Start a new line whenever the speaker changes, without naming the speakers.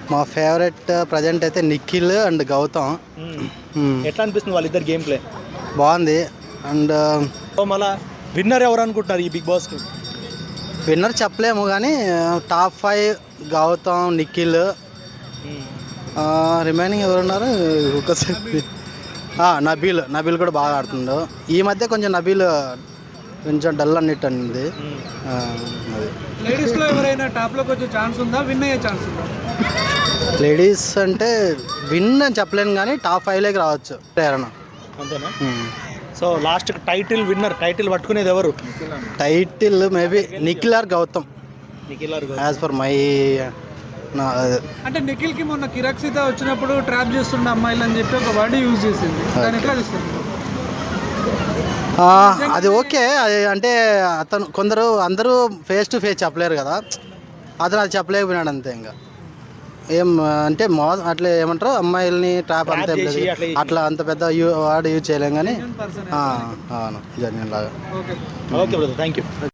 మా favourite present అయితే Nikhil and Gautam.
ఎట్లా అనిపిస్తుంది వాళ్ళిద్దరు గేమ్ ప్లే?
బాగుంది. అండ్
మళ్ళా విన్నర్ ఎవరు అనుకుంటున్నారు ఈ బిగ్ బాస్కి?
విన్నర్ చెప్పలేము కానీ టాప్ 5 గౌతమ్, నిఖిల్, రిమైనింగ్ ఎవరున్నారు ఒకసారి నబీల్ కూడా బాగా ఆడుతుండు. ఈ మధ్య కొంచెం నబీల్ కొంచెం డల్ అన్నట్టు అనింది. అది
లేడీస్లో ఎవరైనా టాప్లోకి వచ్చే ఛాన్స్ ఉందా, విన్ అయ్యే ఛాన్స్ ఉందా?
లేడీస్ అంటే విన్ అని చెప్పలేను కానీ టాప్ 5లోకి రావచ్చు ఎవరన్నా.
అంతేనా? So last title winner, title పట్టుకునేది ఎవరు?
Title maybe Nikhil or Gautam as per my.
అంటే నిఖిల్కి మొన్న కిరాక్సిత వచ్చినప్పుడు ట్రాప్ చేస్తుండే అమ్మాయిలు అని చెప్పి ఒక వర్డ్ యూజ్ చేసింది. దాని ఎట్లా చేస్తుంది?
అది ఓకే. అది అంటే అతను అందరూ ఫేస్ టు ఫేస్ చెప్పలేరు కదా, అతను అది చెప్పలేకపోయినాడు అంతే. ఇంకా ఏం అంటే అట్లా ఏమంటారు, అమ్మాయిల్ని ట్రాప్ అంతే అట్లా అంత పెద్ద వర్డ్ యూజ్ చేయలేం కానీ అవును జెన్యూన్ లాగా.
Okay
okay brother, thank you.